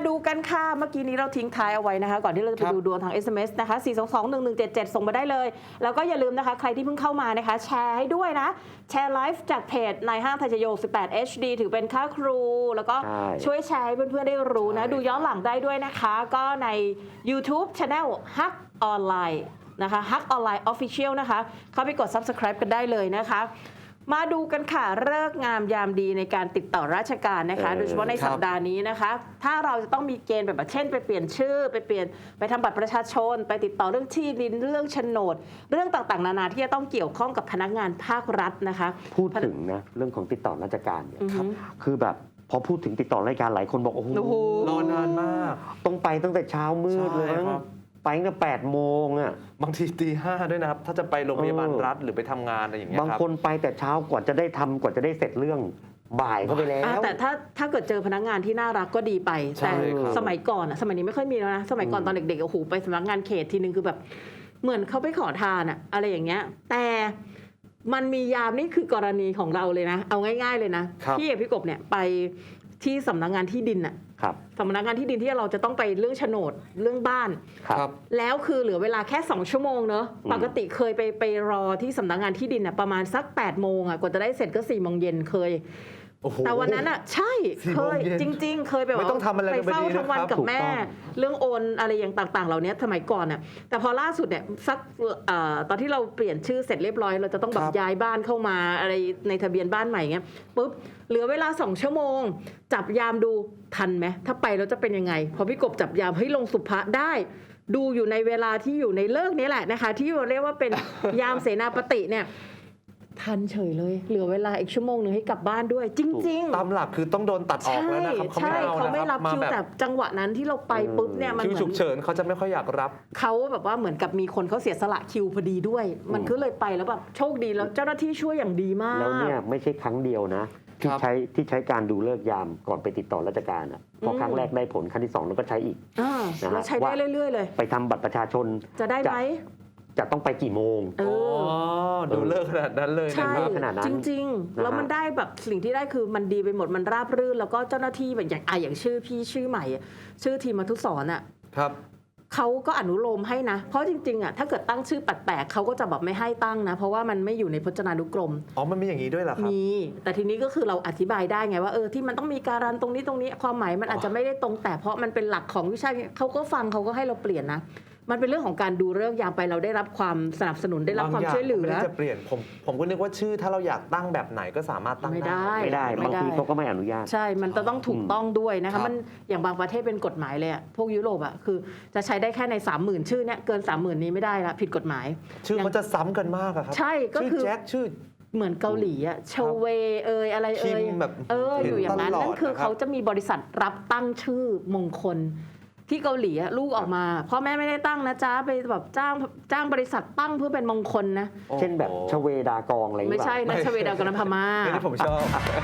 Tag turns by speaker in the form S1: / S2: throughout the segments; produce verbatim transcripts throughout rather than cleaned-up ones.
S1: ดูกันค่ะเมื่อกี้นี้เราทิ้งท้ายเอาไว้นะคะก่อนที่เราจะไปดูดวงทาง เอส เอ็ม เอส นะคะสี่ สอง สอง หนึ่ง หนึ่ง เจ็ด เจ็ดส่งมาได้เลยแล้วก็อย่าลืมนะคะใครที่เพิ่งเข้ามานะคะแชร์ให้ด้วยนะแชร์ไลฟ์จากเพจนายห้างไทยชโย สิบแปด เอช ดี ถือเป็นค่าครูแล้วก็ช่วยแชร์ให้เพื่อนๆได้รู้นะดูย้อนหลังได้ด้วยนะคะก็ใน YouTube Channel ฮักออนไลน์นะคะฮักออนไลน์ Official นะคะเข้าไปกด Subscribe กันได้เลยนะคะมาดูกันค่ะฤกษ์งามยามดีในการติดต่อราชการนะคะโดยเฉพาะในสัปดาห์นี้นะคะถ้าเราจะต้องมีเกณฑ์แบบเช่นไปเปลี่ยนชื่อไปเปลี่ยนไปทำบัตรประชาชนไปติดต่อเรื่องที่ดินเรื่องโฉนดเรื่องต่างๆนานาที่จะต้องเกี่ยวข้องกับพนักงานภาครัฐนะคะ
S2: พูดถึงนะเรื่องของติดต่อราชการเนี่ยคือแบบพอพูดถึงติดต่อราชการหลายคนบอกโอ้โห
S3: รอนานมาก
S2: ต้องไปตั้งแต่เช้ามืดเลยไปตั้งแต่แปดโมงอ่ะ
S3: บางทีตีห้าด้วยนะครับถ้าจะไปโรงพยาบาลรัฐหรือไปทำงานอะไรอย่างเงี้ย
S2: บางคนไปแต่เช้ากว่าจะได้ทำกว่าจะได้เสร็จเรื่องบ่ายก็ไปแล้ว
S1: แต่ถ้าถ้าเกิดเจอพนักงานที่น่ารักก็ดีไปแต่สมัยก่อนอ่ะสมัยนี้ไม่ค่อยมีแล้วนะสมัยก่อนตอนเด็กๆโอ้โหไปสำนักงานเขตทีนึงคือแบบเหมือนเขาไปขอทานอะอะไรอย่างเงี้ยแต่มันมียามนี่คือกรณีของเราเลยนะเอาง่ายๆเลยนะพี่เอกพี่กบเนี่ยไปที่สำนักงานที่ดินอะสำนักงานที่ดินที่เราจะต้องไปเรื่องโฉนดเรื่องบ้านแล้วคือเหลือเวลาแค่สองชั่วโมงเนอะปกติเคยไปไปรอที่สำนักงานที่ดินอะประมาณสักแปดโมงอะกว่าจะได้เสร็จก็สี่โมงเย็นเคยแต่วันนั้นอ่ะใช่เคยจริงๆเคยไปว่าไปเฝ้าทั้งวันกับแม่เรื่องโอนอะไรอย่างต่างๆเหล่านี้สมัยก่อนน่ะแต่พอล่าสุดเนี่ยสักตอนที่เราเปลี่ยนชื่อเสร็จเรียบร้อยเราจะต้องแบบย้ายบ้านเข้ามาอะไรในทะเบียนบ้านใหม่เงี้ยปุ๊บเหลือเวลาสองชั่วโมงจับยามดูทันไหมถ้าไปแล้วจะเป็นยังไงพอพี่กบจับยามเฮ้ยลงสุภาได้ดูอยู่ในเวลาที่อยู่ในเลิกนี้แหละนะคะที่เรียกว่าเป็นยามเสนาปฏิเนี่ยทันเฉยเลยเหลือเวลาอีกชั่วโมงหนึ่งให้กลับบ้านด้วยจริง
S3: ๆตามหลักคือต้องโดนตัดออกแล้วนะครับ
S1: ใช่เขาไม่รับคิวแต่จังหวะนั้นที่เราไปปุ๊บเนี่ยมัน
S3: คิวฉุกเฉินเขาจะไม่ค่อยอยากรับ
S1: เขาแบบว่าเหมือนกับมีคนเขาเสียสละคิวพอดีด้วยมันก็เลยไปแล้วแบบโชคดีแล้วเจ้าหน้าที่ช่วยอย่างดีมาก
S2: แล้วเนี่ยไม่ใช่ครั้งเดียวนะที่ใช้ที่ใช้การดูเลิกยามก่อนไปติดต่อราชการอ่ะพอครั้งแรกได้ผลครั้งที่สองแล้วก็ใช้อีก
S1: นะใช้ได้เรื่อยๆเลย
S2: ไปทำบัตรประชาชน
S1: จะได้ไหม
S2: จะต้องไปกี่โมง
S3: อ๋อดูเลิกขนาดนั้นเลย
S1: ใช่จริงๆแล้วมันได้แบบสิ่งที่ได้คือมันดีไปหมดมันราบรื่นแล้วก็เจ้าหน้าที่แบบอย่างอ่ะอย่างชื่อพี่ชื่อใหม่ชื่อทีมทุสรอ่ะ
S3: ครับ
S1: เขาก็อนุโลมให้นะเพราะจริงๆอ่ะถ้าเกิดตั้งชื่อแปลกๆเขาก็จะแบบไม่ให้ตั้งนะเพราะว่ามันไม่อยู่ในพจนานุกรม
S3: อ๋อมันมีอย่างนี้ด้วยเหรอครับ
S1: มีแต่ทีนี้ก็คือเราอธิบายได้ไงว่าเออที่มันต้องมีการันตรงนี้ตรงนี้ความหมายมันอาจจะไม่ได้ตรงแต่เพราะมันเป็นหลักของวิชาเขาก็ฟังเขาก็ให้เราเปลี่ยนนะมันเป็นเรื่องของการดูเรื่องยามไปเราได้รับความสนับสนุนได้รับความช่วยเหลือ
S3: ไม่ได้จะเปลี่ยนผมผมก็นึกว่าชื่อถ้าเราอยากตั้งแบบไหนก็สามารถตั้ง
S1: ไม่ได้
S2: ไม่ได้บางทีเขาก็ไม่อนุญาต
S1: ใช่มันจะต้องถูกต้องด้วยนะคะมันอย่างบางประเทศเป็นกฎหมายเลยอ่ะพวกยุโรปอ่ะคือจะใช้ได้แค่ใน สามหมื่น ชื่อเนี้ยเกิน สามหมื่น นี้ไม่ได้ละผิดกฎหมาย
S3: ชื่อเขาจะซ้ำกันมากอะครับ
S1: ใช่ก็คือ
S3: แจ็คชื่อ
S1: เหมือนเกาหลีอะเชเวเอยอะไรเอยเอออยู่อย่างนั้นนั่นคือเขาจะมีบริษัทรับตั้งชื่อมงคลที่เกาหลีลูกออกมาพ่อแม่ไม่ได้ตั้งนะจ๊ะไปแบบจ้างจ้างบริษัทตั้งเพื่อเป็นมงคลนะ
S2: เช่นแบบชเวดากองอะไร
S1: ไม่ใช่นะชเวดากองพม่า
S3: ที่ผมชอบ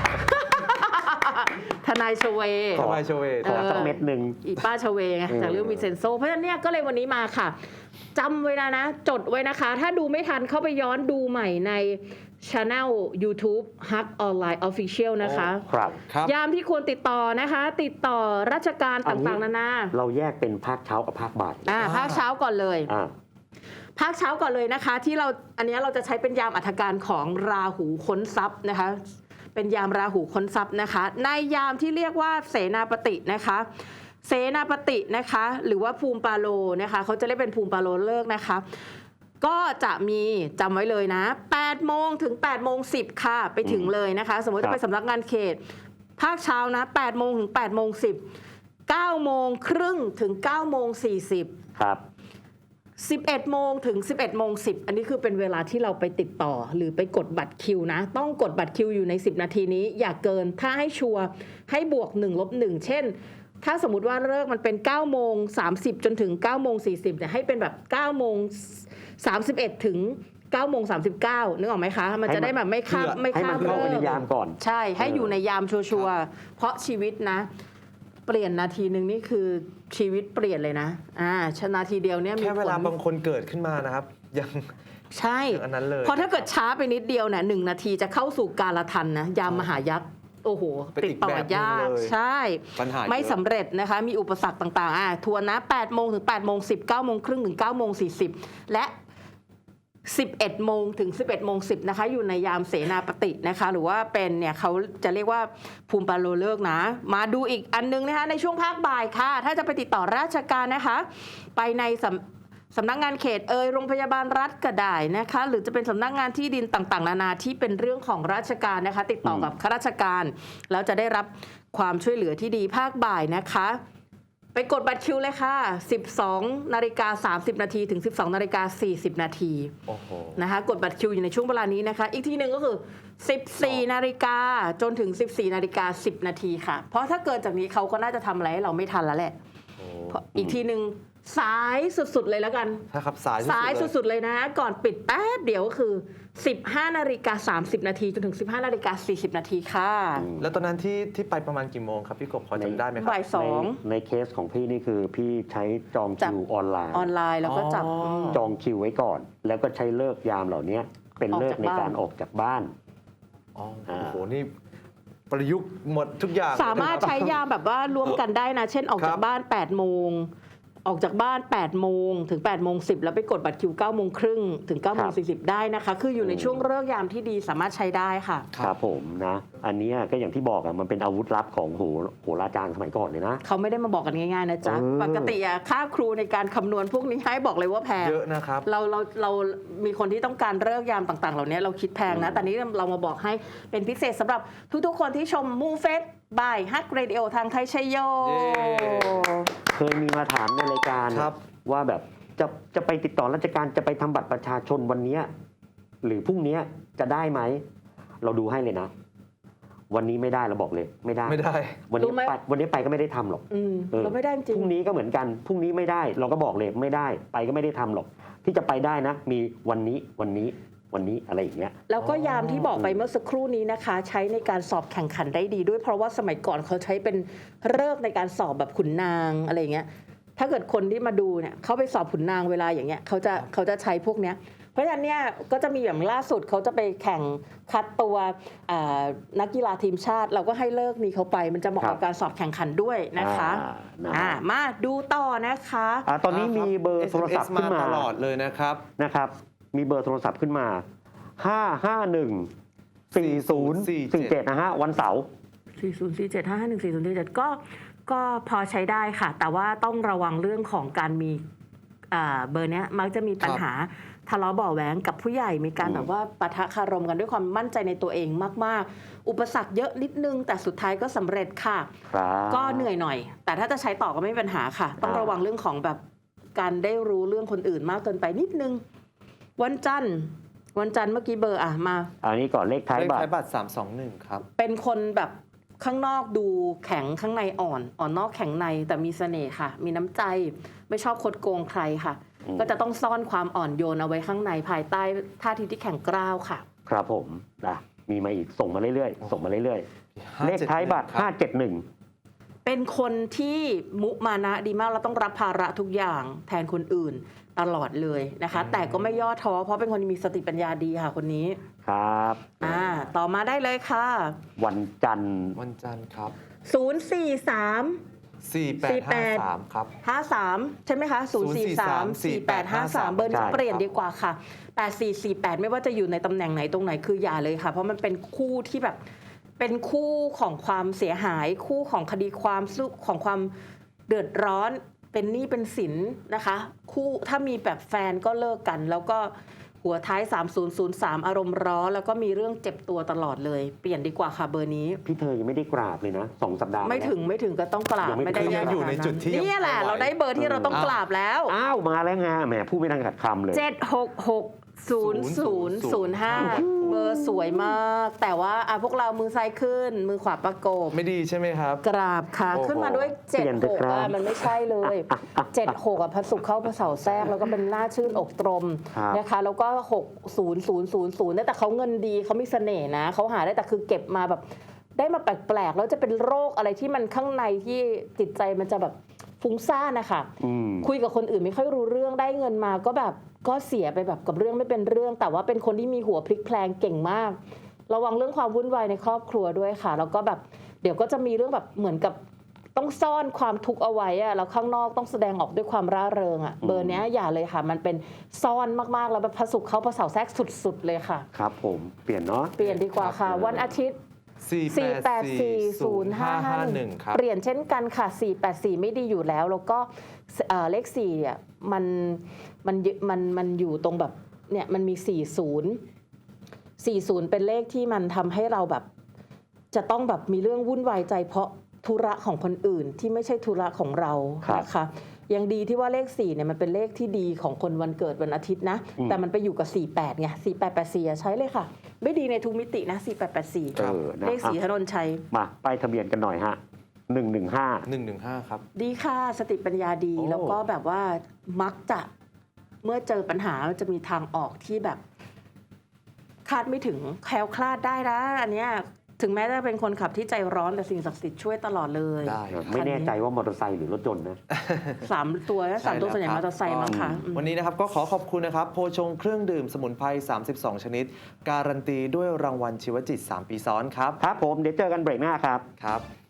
S1: ทนายชเว
S3: ทนายชเว
S2: ขอสักเม็ดหนึ่ง
S1: อีป้าชเวไงจากเรื่องมีเซนโซเพราะฉะนั้นเนี่ยก็เลยวันนี้มาค่ะจำไว้นะนะจดไว้นะคะถ้าดูไม่ทันเข้าไปย้อนดูใหม่ในChannel YouTube Hug Online Official นะคะ
S2: ครับ
S1: ยามที่ควรติดต่อนะคะติดต่อราชการต่างๆนานา
S2: เราแยกเป็นภาคเช้ากับภาคบ่าย
S1: อ่าภาคเช้าก่อนเลยภาคเช้าก่อนเลยนะคะที่เราอันนี้เราจะใช้เป็นยามอัฐการของราหูค้นทรัพย์นะคะเป็นยามราหูค้นทรัพย์นะคะในยามที่เรียกว่าเสนาปฏินะคะเสนาปฏินะคะหรือว่าภูมิปาโลนะคะเขาจะเรียกเป็นภูมิปาโลเลิกนะคะก็จะมีจำไว้เลยนะแปดโมงถึงแปดโมงสิบค่ะไปถึงเลยนะคะสมมติจะไปสำนักงานเขตภาคเช้านะแปดโมงถึงแปดโมงสิบ เก้าโมงครึ่งถึงเก้าโมงสี่สิบ
S2: ครับ
S1: สิบเอ็ดโมงถึงสิบเอ็ดโมงสิบอันนี้คือเป็นเวลาที่เราไปติดต่อหรือไปกดบัตรคิวนะต้องกดบัตรคิวอยู่ในสิบนาทีนี้อย่าเกินถ้าให้ชัวร์ให้บวกหนึ่งลบหนึ่งเช่นถ้าสมมุติว่าเลิกมันเป็นเก้าโมงสามสิบจนถึงเก้าโมงสี่สิบแต่ให้เป็นแบบเก้าโมงสามสิบเอ็ดถึงเก้าโมงสามสิบเก้านึกออกไหมคะมันจะได้แบบไม่ข้ามไม่ข้าม
S2: เลิกให้มันเข้าในยามก่อน
S1: ใช่ให้อยู่ในยามชัวร์ๆเพราะชีวิตนะเปลี่ยนนาทีหนึ่งนี่คือชีวิตเปลี่ยนเลยนะอ่านาทีเดียวเนี่ยมีผล
S3: แค่เวลาบางคนเกิดขึ้นมานะครับยัง
S1: ใช่
S3: อันนั้นเลย
S1: เพราะถ้าเกิดช้าไปนิดเดียวเนี่ยหนึ่งนาทีจะเข้าสู่กาลทันนะยามมหายักษ์โอ้โห
S3: เป็น
S1: ติด
S3: อีก
S1: ต่อ
S3: แบบหนึ่ง
S1: ยาก
S3: เลย
S1: ใช่
S3: ปัญหาเยอะ
S1: ไม่สำเร็จนะคะมีอุปสรรคต่างๆอ่ะทวนนะแปดโมงถึงแปดโมงสิบ เก้าโมงครึ่งถึงเก้าโมงสี่สิบและสิบเอ็ดโมงถึงสิบเอ็ดโมงสิบนะคะอยู่ในยามเสนาปฏินะคะหรือว่าเป็นเนี่ยเขาจะเรียกว่าภูมิปาโลเลิกนะมาดูอีกอันนึงนะคะในช่วงภาคบ่ายค่ะถ้าจะไปติดต่อราชการนะคะไปในสำสำนักงานเขตเอยโรงพยาบาลรัฐก็ได้นะคะหรือจะเป็นสำนักงานที่ดินต่างๆนานาที่เป็นเรื่องของราชการนะคะติดต่อกับข้าราชการแล้วจะได้รับความช่วยเหลือที่ดีภาคบ่ายนะคะไปกดบัตรคิวเลยค่ะ สิบสองนาฬิกาสามสิบนาทีถึง สิบสองนาฬิกาสี่สิบนาที
S3: โอ้โห
S1: นะคะกดบัตรคิวอยู่ในช่วงเวลานี้นะคะอีกทีหนึ่งก็คือ สิบสี่นาฬิกาจนถึง สิบสี่นาฬิกาสิบนาทีค่ะเพราะถ้าเกินจากนี้เขาก็น่าจะทำอะไรให้เราไม่ทันแล้วแหละ
S3: โอ้
S1: เพราะอีกทีหนึ่งสายสุดๆเลยแล้วกัน
S3: ถ้าครับสาย
S1: สาย
S3: ๆเลย
S1: สุดๆเลยนะก่อนปิดแป๊บเดียวก็คือ สิบห้านาฬิกาสามสิบนาทีจนถึง สิบห้านาฬิกาสี่สิบนาทีค่ะ
S3: แล้วตอนนั้นที่ที่ไปประมาณกี่โมงครับพี่กบพอจำได้ไหมครับ
S1: บ่ายสอง
S2: ในในเคสของพี่นี่คือพี่ใช้จอง
S1: จับ
S2: คิวออนไลน์
S1: ออนไลน์แล้วก็จับ
S3: อ๋ออื
S1: ม
S2: จองคิวไว้ก่อน แล้วก็ใช้เลิกยามเหล่านี้เป็นเลิกในการออกจากบ้าน
S3: อ๋อโอ้โหนี่ประยุกต์หมดทุกอย่าง
S1: สามารถใช้ยามแบบว่าร่วมกันได้นะ เช่นออก
S3: ครั
S1: จาก
S3: บ
S1: บ้านแปดโมงออกจากบ้านแปดโมงถึงแปดโมงสิบแล้วไปกดบัตรคิวเก้าโมงครึ่งถึงเก้าโมงสี่สิบได้นะคะ คืออยู่ในช่วงเลิกยามที่ดีสามารถใช้ได้ค่ะ
S2: ครับผมนะ อันเนี้ยก็อย่างที่บอกอะมันเป็นอาวุธลับของโหโหราจารย์สมัยก่อนเลยนะ
S1: เขาไม่ได้มาบอกกันง่ายๆนะจ๊ะ
S2: เออ
S1: ปกติอะค่าครูในการคำนวณพวกนี้ให้บอกเลยว่าแพง
S3: เยอะนะครับ
S1: เราเราเรามีคนที่ต้องการเลิกยามต่างๆ เหล่านี้เราคิดแพงนะ แต่นี้เรามาบอกให้เป็นพิเศษสำหรับทุกๆ คนที่ชมมูเฟสบายฮักเรดิโอทางไทยชัยโย
S3: เย้
S2: เคยมีมาถามในรายการ
S3: ครับ
S2: ว่าแบบจะจะไปติดต่อราชการจะไปทำบัตรประชาชนวันเนี้ยหรือพรุ่งเนี้ยจะได้ไหม เราดูให้เลยนะ วันนี้ไม่ได้เราบอกเลยไม่ได้
S3: ไม่ได้
S2: วันนี้
S1: รู้ไหม
S2: ไปวันนี้ไปก็ไม่ได้ทำหรอก
S1: อืม
S2: เออ
S1: เราไม่ได้จ
S2: พ
S1: ริง
S2: รุ่งนี้ก็เหมือนกันพรุ่งนี้ไม่ได้ เราก็บอกเลยไม่ได้ ไปก็ไม่ได้ทำหรอก ที่จะไปได้นะ มีวันนี้วันนี้วันนี้อะไรอย่างเงี้ย
S1: แล้วก็ยามที่บอกไปเมื่อสักครู่นี้นะคะ ใช้ในการสอบแข่งขันได้ดีด้วยเพราะว่าสมัยก่อนเขาใช้เป็นฤกษ์ในการสอบแบบขุนนางอะไรอย่างเงี้ยถ้าเกิดคนที่มาดูเนี่ยเขาไปสอบขุนนางเวลาอย่างเงี้ยเขาจะเขาจะใช้พวกเนี้ยเพราะฉะนั้นเนี่ยก็จะมีอย่างล่าสุดเขาจะไปแข่งคัดตัวอ่านักกีฬาทีมชาติ เราก็ให้เลิกนี้เขาไป มันจะเหมาะ
S2: ครั
S1: กับบ การสอบแข่งขันด้วยนะคะ
S2: อ่านะ
S1: อ่ามาดูต่อนะคะ
S2: อ่าตอนนี้มีเบอร์โทรศัพท์ขึ้นมา
S3: ตลอดเลยนะครับ
S2: นะครับ มีเบอร์โทรศัพท์ขึ้นมา ห้า ห้า หนึ่ง สี่ ศูนย์ สี่ เจ็ด นะฮะ วันเสาร์
S1: สี่ ศูนย์ สี่ เจ็ด ห้า หนึ่ง สี่ ศูนย์ สี่ เจ็ด ก็ก็พอใช้ได้ค่ะ แต่ว่าต้องระวังเรื่องของการมีอ่าเบอร์เนี้ยมักจะมีปัญหาทะเลาะเบาะแหวงกับผู้ใหญ่มีการ
S2: อืม
S1: แบบว่าปะทะคารมกันด้วยความมั่นใจในตัวเองมากๆ อุปสรรคเยอะนิดนึง แต่สุดท้ายก็สำเร็จค่ะ
S2: ครับ
S1: ก็เหนื่อยหน่อย แต่ถ้าจะใช้ต่อก็ไม่มีปัญหาค่ะ ต้อง
S2: อ่า
S1: ระวังเรื่องของแบบการได้รู้เรื่องคนอื่นมากเกินไปนิดนึง วันจันทร์วันจันทร์เมื่อกี้เบอร์อ่ะมา
S2: อันนี้ก่อนเลขท้าย
S3: เลข
S2: บัต
S3: ท้าย
S2: ร
S3: บัตรสามสองหนึ่งครับ
S1: เป็นคนแบบข้างนอกดูแข็งข้างในอ่อน อ่อนนอกแข็งในแต่มีเสน่ห์ค่ะ มีน้ำใจไม่ชอบคดโกงใครค่ะ
S2: อืม
S1: ก็จะต้องซ่อนความอ่อนโยนเอาไว้ข้างในภายใต้ท่าทีที่แข็งกร้าวค่ะ
S2: ครับผมนะมีมาอีกส่งมาเรื่อยๆ ส่งมาเรื่อยๆ เลขท้ายบัตร
S3: ครับ
S2: ห้าเจ็ดหนึ่ง
S1: เป็นคนที่มุมานะดีมากแล้วต้องรับภาระทุกอย่างแทนคนอื่นตลอดเลยนะคะ แต่ก็ไม่ย่อท้อเพราะเป็นคนที่มีสติปัญญาดีค่ะคนนี้
S2: ครับ
S1: อ่าต่อมาได้เลยค่ะ
S2: วันจันทร์
S3: วันจันทร์ครับ
S1: ศูนย์ สี่ สาม
S3: สี่แปดห้าสามครับ
S1: ห้าสามใช่ไหมคะ ศูนย์ สี่ สาม สี่ แปด ห้า สาม เบอร์นี้
S2: ใช่
S1: เปลี่ยนดีกว่าค่ะ แปด สี่ สี่ แปด ไม่ว่าจะอยู่ในตำแหน่งไหนตรงไหนคืออย่าเลยค่ะ เพราะมันเป็นคู่ที่แบบเป็นคู่ของความเสียหาย คู่ของคดีความสู้ของความเดือดร้อน เป็นหนี้เป็นสินนะคะ คู่ถ้ามีแบบแฟนก็เลิกกัน แล้วก็หัวท้าย สาม ศูนย์ ศูนย์ สาม อารมณ์ร้อนแล้วก็มีเรื่องเจ็บตัวตลอดเลย เปลี่ยนดีกว่าค่ะเบอร์นี้
S2: พี่เธอยังไม่ได้กราบเลยนะสองสัปดาห์
S1: ไม่ถึงไม่ถึงก็ต้องกราบ
S2: ยังไม่
S1: ไม่ได้
S2: ถึง
S1: แย่
S3: ยังอยู่ในจุดที่
S1: นี่แหละ
S3: ยังไม่ไหว
S1: เราได้เบอร์ที่เราต้องกราบแล้ว
S2: อ้าวมาแล้วไงแหมพูดไม่ทันขัดคำเลย
S1: เจ็ด หก หก ศูนย์ ศูนย์ ศูนย์ ห้า เบอร์สวยมาก แต่ว่าอ่ะพวกเรามือซ้ายขึ้น มือขวาประกบ
S3: ไม่ดีใช่ไหมครับ
S1: กราบค่ะ
S3: โอ้โห
S1: ขึ้นมาด้วย
S2: เปลี่ยน
S1: เจ็ด
S2: เถ
S1: ห
S2: อะ
S1: ก
S2: ครับ
S1: อ่ะมันไม่ใช่เลย เจ็ด หกอ่ะพระศุกร์เข้าพระเสาร์แทรกแล้วก็เป็นหน้าชื่นอกตรม
S2: ครับ
S1: นะคะแล้วก็หก ศูนย์ ศูนย์ ศูนย์ ศูนย์แต่เขาเงินดีเขามีเสน่ห์นะเขาหาได้แต่คือเก็บมาแบบ ได้มาแปลกๆแล้วจะเป็นโรคอะไรที่มันข้างในที่จิตใจมันจะแบบฟุ้งซ่านนะคะ
S2: อืม
S1: คุยกับคนอื่นไม่ค่อยรู้เรื่องได้เงินมาก็แบบก็เสียไปแบบกับเรื่องไม่เป็นเรื่อง แต่ว่าเป็นคนที่มีหัวพลิกแพลงเก่งมากระวังเรื่องความวุ่นวายในครอบครัวด้วยค่ะแล้วก็แบบเดี๋ยวก็จะมีเรื่องแบบเหมือนกับต้องซ่อนความทุกข์เอาไว้อะแล้วข้างนอกต้องแสดงออกด้วยความร่าเริงอะเบอร์เนี้ยอย่าเลยค่ะมันเป็นซ่อนมากๆแล้วแบบพระศุกร์เข้าพระเสาร์แทรกสุดๆเลยค่ะ
S2: ครับผมเปลี่ยนเนาะ
S1: เปลี่ยนดีกว่าค่ะ
S2: ครับ
S1: วันอาทิตย์
S3: สี่
S1: สี่
S3: แป
S1: แป
S3: ด
S1: ด
S3: สี่
S1: สี่
S3: ศู
S1: ศู
S3: น
S1: น
S3: ย์
S1: ย์
S3: ห้า
S1: ห้า
S3: ห้า
S1: ห้า
S3: ห
S1: ห
S3: นึ่
S1: นึ่
S3: ง
S1: ง
S3: ครับ
S1: เปลี่ยนเช่นกันค่ะสี่แปดสี่ไม่ดีอยู่แล้ว แล้วก็เอ่อเลขสี่เนี่ยมันมันมันมันอยู่ตรงแบบเนี่ยมันมีสี่ศูนย์ สี่ศูนย์เป็นเลขที่มันทำให้เราแบบจะต้องแบบมีเรื่องวุ่นวายใจเพราะธุระของคนอื่นที่ไม่ใช่ธุระของเรา
S2: ครับ
S1: นะคะยังดีที่ว่าเลขสี่เนี่ยมันเป็นเลขที่ดีของคนวันเกิดวันอาทิตย์นะ
S2: อืม
S1: แต่มันไปอยู่กับสี่แปดไงสี่แปดแปดสี่ใช้เลยค่ะ ไม่ดีในทุกมิตินะสี่แปดแปดสี่
S2: เออนะ
S1: เลขสี
S2: อ่ะ
S1: ถนนชัย
S2: มาป้ายทะเบียนกันหน่อยฮะหนึ่งหนึ่งห้า
S3: หนึ่งหนึ่งห้าครับ
S1: ดีค่ะสติปัญญาดี
S3: โอ้
S1: แล้วก็แบบว่ามักจะเมื่อเจอปัญหาจะมีทางออกที่แบบ คาดไม่ถึงแคล้วคลาดได้นะอันเนี้ยถึงแม้จะเป็นคนขับที่ใจร้อนแต่สิ่งศักดิ์สิทธิ์ช่วยตลอดเลย
S3: ได้ครับ
S2: ไม่แน่ใจว่ามอเตอร์ไซค์หรือรถยนต์นะ
S1: สามตัวนะสามตัว
S3: ใช่
S1: ส่วนใหญ่
S3: แล้ว
S1: มอเตอร์ไซค์มั้งคะอืม
S3: วันนี้นะครับก็ขอขอบคุณนะครับโพชงเครื่องดื่มสมุนไพรสามสิบสอง ชนิด การันตีด้วยรางวัลชีวจิต สาม ปีซ้อนครับ
S2: ครับผมเดี๋ยวเจอกันเบรกหน้าครับ
S3: ครับ